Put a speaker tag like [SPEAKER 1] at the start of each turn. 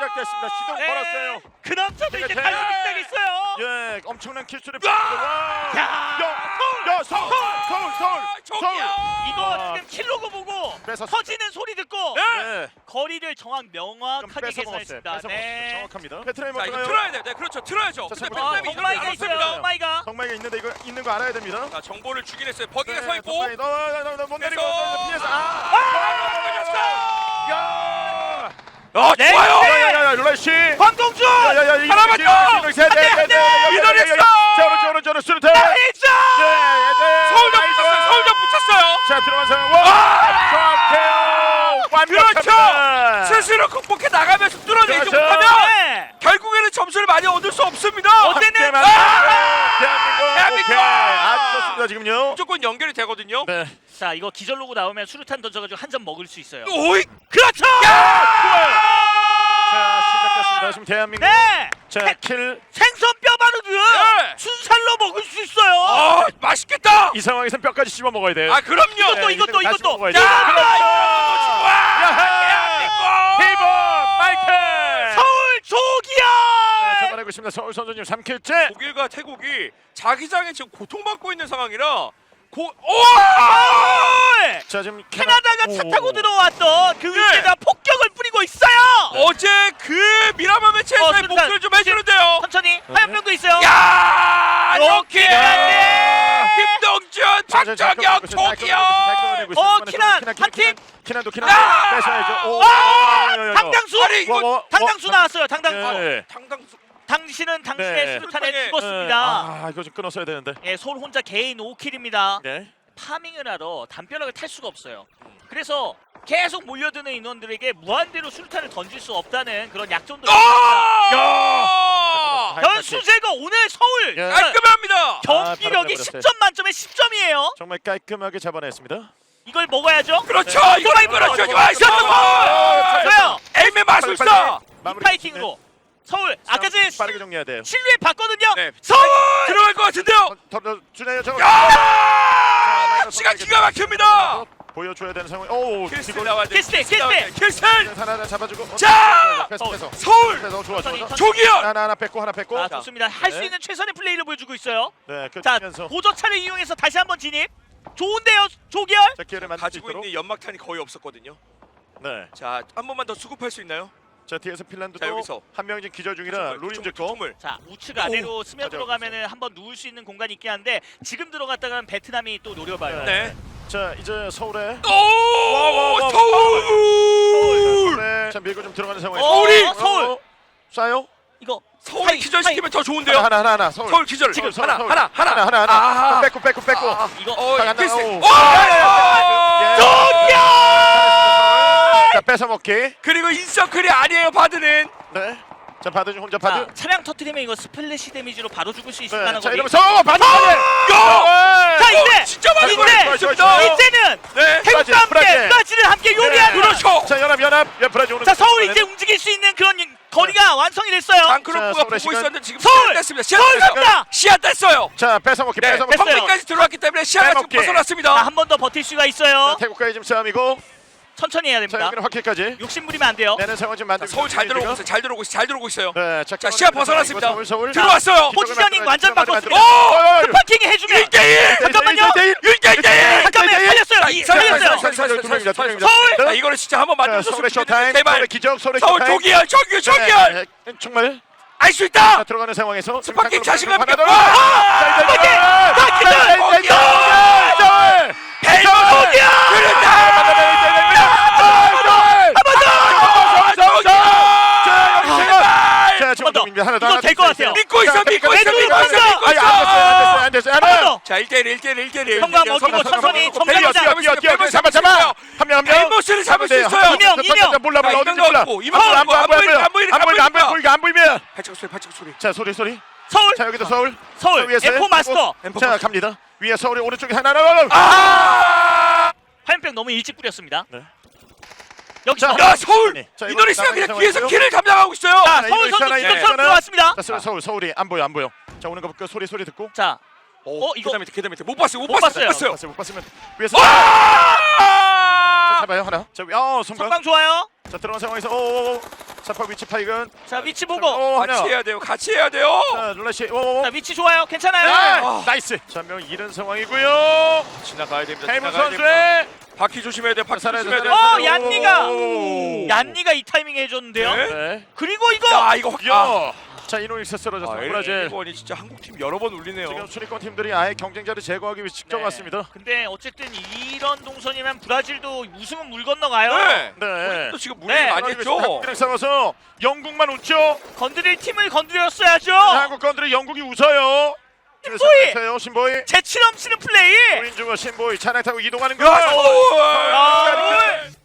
[SPEAKER 1] 시작됐습니다. 시동 걸었어요.
[SPEAKER 2] 그 남자도 이제
[SPEAKER 1] 제가
[SPEAKER 2] 달리기 시작했어요.
[SPEAKER 1] 예, 엄청난 킬수를
[SPEAKER 2] 야!
[SPEAKER 1] 야, 서울.
[SPEAKER 2] 이거
[SPEAKER 1] 와.
[SPEAKER 2] 지금 킬로그 보고
[SPEAKER 1] 뺏었습니다.
[SPEAKER 2] 터지는 소리 듣고
[SPEAKER 1] 네.
[SPEAKER 2] 거리를 명확하게
[SPEAKER 1] 뺏어
[SPEAKER 2] 계산했습니다.
[SPEAKER 1] 먹었어요.
[SPEAKER 2] 네.
[SPEAKER 1] 정확합니다. 베트남이
[SPEAKER 3] 자, 이거
[SPEAKER 1] 먼저가요.
[SPEAKER 3] 틀어야 돼. 네, 그렇죠. 틀어야죠.
[SPEAKER 1] 자,
[SPEAKER 3] 근데
[SPEAKER 1] 잠깐만.
[SPEAKER 3] 베트남이
[SPEAKER 2] 덩마이가
[SPEAKER 3] 이러면
[SPEAKER 2] 있어요.
[SPEAKER 3] 안
[SPEAKER 2] 덩마이가.
[SPEAKER 1] 정말가 있는데 이거 있는 거 알아야 됩니다.
[SPEAKER 3] 자, 정보를 주긴 했어요. 버기가 서 있고.
[SPEAKER 1] 못 내리고
[SPEAKER 3] 그래서-
[SPEAKER 1] 피해서
[SPEAKER 2] 네.
[SPEAKER 3] 좋아요.
[SPEAKER 1] 야야야 룰라씨.
[SPEAKER 2] 황동준.
[SPEAKER 1] 야야야
[SPEAKER 3] 하나만 더!
[SPEAKER 1] 자 오른쪽 수류탄.
[SPEAKER 2] 나이스.
[SPEAKER 3] 서울점 붙였어요. 서울점 붙였어요.
[SPEAKER 1] 자 들어간 상황. 와! 완벽합니다.
[SPEAKER 3] 스스로 극복해 나가면서 뚫어내지
[SPEAKER 1] 그렇죠.
[SPEAKER 3] 못하면
[SPEAKER 2] 네.
[SPEAKER 3] 결국에는 점수를 많이 얻을 수 없습니다.
[SPEAKER 2] 어때는?
[SPEAKER 1] 대한민국. 오케이. 아주 좋습니다 지금요.
[SPEAKER 3] 무조건 연결이 되거든요.
[SPEAKER 1] 네.
[SPEAKER 2] 자 이거 기절로고 나오면 수류탄 던져가지고 한 점 먹을 수 있어요.
[SPEAKER 3] 오이.
[SPEAKER 2] 그렇죠.
[SPEAKER 1] 자 시작됐습니다. 지금 대한민국.
[SPEAKER 2] 네.
[SPEAKER 1] 자 킬.
[SPEAKER 2] 생선 뼈 바르듯
[SPEAKER 3] 네.
[SPEAKER 2] 순살로 먹을 수 있어요.
[SPEAKER 3] 아, 맛있겠다.
[SPEAKER 1] 이 상황에선 뼈까지 씹어 먹어야 돼요.
[SPEAKER 3] 아, 그럼요.
[SPEAKER 2] 이것도.
[SPEAKER 1] 다시 먹어야 돼요.
[SPEAKER 3] 야!
[SPEAKER 1] 히본 마이클.
[SPEAKER 2] 서울 조기야.
[SPEAKER 1] 잡아내고 있습니다. 서울 선수님 3킬째.
[SPEAKER 3] 독일과 태국이 자기장에 지금 고통받고 있는 상황이라 오!
[SPEAKER 1] 자 지금
[SPEAKER 2] 캐나다가 차
[SPEAKER 1] 오.
[SPEAKER 2] 타고 들어왔던 그
[SPEAKER 3] 네.
[SPEAKER 2] 위에다 폭격을 뿌리고 있어요.
[SPEAKER 3] 어제 그 미라마 매치에서의
[SPEAKER 2] 수류탄.
[SPEAKER 3] 목소리 좀 해주는데요.
[SPEAKER 2] 천천히 화염병도 있어요.
[SPEAKER 3] 야!
[SPEAKER 2] 이렇게
[SPEAKER 3] 이렇게 김동준, 박정혁, 조기영.
[SPEAKER 2] 키난, 한 팀.
[SPEAKER 1] 키난도
[SPEAKER 3] 아!
[SPEAKER 1] 뺏어야죠.
[SPEAKER 2] 당당수.
[SPEAKER 3] 아니, 이거
[SPEAKER 2] 당당수 나왔어요. 당당수.
[SPEAKER 1] 예.
[SPEAKER 3] 당당수.
[SPEAKER 2] 당신은 당신의
[SPEAKER 1] 네.
[SPEAKER 2] 수류탄에
[SPEAKER 3] 수류탄에,
[SPEAKER 2] 죽었습니다.
[SPEAKER 1] 아 이거 좀 끊었어야 되는데.
[SPEAKER 2] 예, 서울 혼자 개인 5킬입니다.
[SPEAKER 1] 네.
[SPEAKER 2] 파밍을 하러 담벼락을 탈 수가 없어요. 그래서 계속 몰려드는 인원들에게 무한대로 수류탄을 던질 수 없다는 그런 약점도 있습니다.
[SPEAKER 3] 야!
[SPEAKER 2] 변수제거 오늘 서울
[SPEAKER 1] 예.
[SPEAKER 3] 깔끔합니다.
[SPEAKER 2] 경기력이
[SPEAKER 1] 바로
[SPEAKER 2] 10점 만점에 10점이에요.
[SPEAKER 1] 정말 깔끔하게 잡아냈습니다.
[SPEAKER 2] 이걸 먹어야죠.
[SPEAKER 3] 그렇죠.
[SPEAKER 2] 네.
[SPEAKER 3] 이거 그렇죠.
[SPEAKER 2] 좋아요.
[SPEAKER 3] 에임의 마술사.
[SPEAKER 2] 이 파이팅으로 서울 아까 전에
[SPEAKER 1] 빠르게 정리해야 돼요.
[SPEAKER 2] 실루엣 봤거든요.
[SPEAKER 3] 네.
[SPEAKER 2] 서울
[SPEAKER 3] 들어갈 것 같은데요.
[SPEAKER 1] 더 주네요. 저거.
[SPEAKER 3] 야! 시간 기가 막힙니다.
[SPEAKER 1] 보여줘야 되는 상황. 오,
[SPEAKER 3] 킬스
[SPEAKER 1] 이걸
[SPEAKER 3] 나와야 돼.
[SPEAKER 2] 킬스,
[SPEAKER 3] 킬스.
[SPEAKER 1] 하나 잡아주고.
[SPEAKER 3] 자!
[SPEAKER 1] 뺏어.
[SPEAKER 3] 서울.
[SPEAKER 1] 좋아.
[SPEAKER 3] 조기현.
[SPEAKER 1] 하나 뺏고 하나 뺏고.
[SPEAKER 2] 아 좋습니다. 할 수
[SPEAKER 1] 네.
[SPEAKER 2] 있는 최선의 플레이를 보여주고 있어요.
[SPEAKER 1] 네,
[SPEAKER 2] 자
[SPEAKER 1] 끝면서.
[SPEAKER 2] 보조차를 이용해서 다시 한번 진입. 좋은데요, 조기열.
[SPEAKER 1] 자, 기회를 만들 수
[SPEAKER 3] 가지고
[SPEAKER 1] 있도록.
[SPEAKER 3] 있는 연막탄이 거의 없었거든요.
[SPEAKER 1] 네.
[SPEAKER 3] 자, 한 번만 더 수급할 수 있나요?
[SPEAKER 1] 자, 뒤에서 핀란드도
[SPEAKER 3] 자, 여기서.
[SPEAKER 1] 한 명 지금 기절 중이라 룰인 듣고.
[SPEAKER 3] 춤을.
[SPEAKER 2] 자 우측 아래로 스며들어가면은 한번 누울 수 있는 공간이 있긴 한데 지금 들어갔다가는 베트남이 또 노려봐요.
[SPEAKER 3] 네.
[SPEAKER 1] 자, 이제 서울에.
[SPEAKER 3] 오! 서울!
[SPEAKER 1] 네. 자, 밀고 좀 들어가는 상황에.
[SPEAKER 2] 서울이! 서울!
[SPEAKER 1] 쏴요?
[SPEAKER 2] 이거
[SPEAKER 3] 서울 기절시키면 더 좋은데요.
[SPEAKER 1] 하나. 서울.
[SPEAKER 3] 서울 기절.
[SPEAKER 1] 지금
[SPEAKER 3] 하나.
[SPEAKER 1] 하나. 뺏고.
[SPEAKER 2] 이거
[SPEAKER 1] 자,
[SPEAKER 3] 킬스.
[SPEAKER 1] 오.
[SPEAKER 2] 조기열!
[SPEAKER 1] 자, 뺏어 먹기.
[SPEAKER 3] 그리고 인서클이 아니에요. 바드는.
[SPEAKER 1] 네. 자, 바드 혼자
[SPEAKER 2] 자,
[SPEAKER 1] 바드.
[SPEAKER 2] 차량 터트리면 이거 스플래시 데미지로 바로 죽을 수 있을
[SPEAKER 1] 네.
[SPEAKER 2] 만한
[SPEAKER 1] 자,
[SPEAKER 2] 거리.
[SPEAKER 1] 이러면서 바드.
[SPEAKER 2] 자 이제
[SPEAKER 3] 진짜 많이
[SPEAKER 2] 이제
[SPEAKER 3] 걸렸습니다.
[SPEAKER 2] 이제는
[SPEAKER 3] 네.
[SPEAKER 2] 태국과 함께
[SPEAKER 1] 브라질.
[SPEAKER 2] 브라질을 함께 요리하는.
[SPEAKER 3] 그렇죠.
[SPEAKER 1] 자, 연합. 야, 브라질 오는.
[SPEAKER 2] 자 서울 이제 움직일 수 있는 그런 거리가 완성이 됐어요.
[SPEAKER 1] 자,
[SPEAKER 3] 방크로프가
[SPEAKER 1] 서울의
[SPEAKER 3] 보고
[SPEAKER 1] 시간.
[SPEAKER 3] 있었는데 지금
[SPEAKER 2] 서울!
[SPEAKER 3] 시야 뗐습니다. 시야
[SPEAKER 2] 서울
[SPEAKER 3] 뗐어요.
[SPEAKER 2] 갑니다.
[SPEAKER 3] 시야 뗐어요.
[SPEAKER 1] 자, 뺏어 먹기.
[SPEAKER 3] 네.
[SPEAKER 2] 뺐어요.
[SPEAKER 3] 펑크까지 들어왔기 때문에 시야가 지금
[SPEAKER 1] 빼먹기.
[SPEAKER 3] 벗어났습니다.
[SPEAKER 2] 자 한 번 더 버틸 수가 있어요.
[SPEAKER 1] 태국과의 지금 싸움이고.
[SPEAKER 2] 천천히 해야
[SPEAKER 1] 자,
[SPEAKER 2] 됩니다.
[SPEAKER 1] 여기는 확킬까지.
[SPEAKER 2] 욕심 부리면 안 돼요.
[SPEAKER 1] 내는 상황 좀 만들고.
[SPEAKER 3] 서울 잘 들어오고 있어요. 잘 들어오고 있어요.
[SPEAKER 1] 네,
[SPEAKER 3] 자, 시야 벗어났습니다.
[SPEAKER 1] 서울.
[SPEAKER 3] 들어왔어요.
[SPEAKER 2] 포지셔닝 완전 바꿨습니다.
[SPEAKER 3] 오!
[SPEAKER 2] 급파킹이 해주면
[SPEAKER 3] 1대1.
[SPEAKER 2] 잠깐만요.
[SPEAKER 3] 1대1.
[SPEAKER 2] 잠깐만 살렸어요. 살렸어요. 서울!
[SPEAKER 3] 자, 이거는 진짜 한번 만들어줬으면
[SPEAKER 1] 서울의 쇼타임.
[SPEAKER 3] 좋겠는데 제발.
[SPEAKER 1] 서울의 기적. 서울의
[SPEAKER 3] 서울
[SPEAKER 1] 쇼타임.
[SPEAKER 3] 조기열.
[SPEAKER 1] 네, 정말.
[SPEAKER 3] 알 수
[SPEAKER 1] 자,
[SPEAKER 3] 있다.
[SPEAKER 1] 들어가는 상황에서
[SPEAKER 3] 스파킹 자신감 있게.
[SPEAKER 2] 이거 될 것 같아요.
[SPEAKER 3] 믿고 있어.
[SPEAKER 2] 안 더.
[SPEAKER 3] 자, 1대1.
[SPEAKER 2] 형과 먹이고 천천히 정리하자.
[SPEAKER 1] 한명
[SPEAKER 3] 벨모스를 잡을 수 있어요.
[SPEAKER 2] 이명.
[SPEAKER 1] 몰라
[SPEAKER 3] 자,
[SPEAKER 1] 어딘지
[SPEAKER 3] 이명
[SPEAKER 1] 몰라.
[SPEAKER 3] 넣고, 이명 넣고,
[SPEAKER 1] 안 보이면.
[SPEAKER 3] 발작 소리.
[SPEAKER 1] 자, 소리.
[SPEAKER 2] 서울.
[SPEAKER 1] 자, 여기도 서울.
[SPEAKER 2] 서울.
[SPEAKER 1] 위에서요?
[SPEAKER 2] M4 마스터.
[SPEAKER 1] 자, 갑니다. 위에 서울이 오른쪽에 하나.
[SPEAKER 2] 화염병 너무 일찍 뿌렸습니다.
[SPEAKER 1] 네.
[SPEAKER 2] 여기서.
[SPEAKER 3] 야, 서울.
[SPEAKER 1] 자, 이거
[SPEAKER 3] 이노리스가 그냥
[SPEAKER 1] 나가는
[SPEAKER 3] 뒤에서
[SPEAKER 1] 상황이고요.
[SPEAKER 3] 킬을 감당하고 있어요.
[SPEAKER 2] 자
[SPEAKER 1] 네,
[SPEAKER 2] 서울
[SPEAKER 1] 이거
[SPEAKER 2] 선수
[SPEAKER 1] 있잖아요.
[SPEAKER 2] 기적처럼 들어왔습니다.
[SPEAKER 1] 자, 서울이 안 보여. 자, 오는 거 볼게요. 소리 듣고.
[SPEAKER 2] 자
[SPEAKER 3] 이거
[SPEAKER 2] 이거
[SPEAKER 3] 계단 밑에 못 봤어요.
[SPEAKER 2] 못 봤어요.
[SPEAKER 1] 못 봤으면 위에서.
[SPEAKER 3] 와!
[SPEAKER 1] 잡아요 하나. 자, 성광.
[SPEAKER 2] 성광 좋아요.
[SPEAKER 1] 자, 들어간 상황에서 오. 사파 위치 파이근.
[SPEAKER 2] 자 위치 보고.
[SPEAKER 3] 같이 해야 돼요. 같이 해야 돼요.
[SPEAKER 1] 자 룰라시. 오.
[SPEAKER 2] 자 위치 좋아요. 괜찮아요.
[SPEAKER 1] 네.
[SPEAKER 3] 아.
[SPEAKER 1] 나이스. 전명 잃은 상황이고요.
[SPEAKER 3] 지나가야 됩니다.
[SPEAKER 1] 해문
[SPEAKER 3] 지나가야 됩니다.
[SPEAKER 1] 선수의
[SPEAKER 3] 바퀴 조심해야 돼. 바퀴
[SPEAKER 1] 살아야
[SPEAKER 3] 조심해야
[SPEAKER 1] 돼,
[SPEAKER 3] 돼.
[SPEAKER 1] 살아야 돼.
[SPEAKER 2] 얀니가!
[SPEAKER 1] 오.
[SPEAKER 2] 얀니가 이 타이밍에 해줬는데요.
[SPEAKER 3] 네.
[SPEAKER 1] 네.
[SPEAKER 2] 그리고 이거
[SPEAKER 3] 야 이거 확.
[SPEAKER 1] 야. 자 이노닉스 쓰러졌습니다. 브라질.
[SPEAKER 3] 일본이 진짜 한국 팀 여러 번 울리네요.
[SPEAKER 1] 지금 순위권 팀들이 아예 경쟁자를 제거하기 위해 직접
[SPEAKER 2] 네.
[SPEAKER 1] 왔습니다.
[SPEAKER 2] 근데 어쨌든 이런 동선이면 브라질도 우승은 물 건너가요.
[SPEAKER 3] 네.
[SPEAKER 1] 네.
[SPEAKER 3] 또 지금
[SPEAKER 2] 네.
[SPEAKER 3] 무리를 많이 했죠.
[SPEAKER 1] 한국이랑 싸워서 영국만 웃죠.
[SPEAKER 2] 건드릴 팀을 건드렸어야죠.
[SPEAKER 1] 한국 건드리 영국이 웃어요.
[SPEAKER 2] 신보이!
[SPEAKER 1] 신보이.
[SPEAKER 2] 재치 넘치는 플레이.
[SPEAKER 1] 우린주와 신보이 차량 타고 이동하는 거.
[SPEAKER 3] 야, 오!
[SPEAKER 2] 아,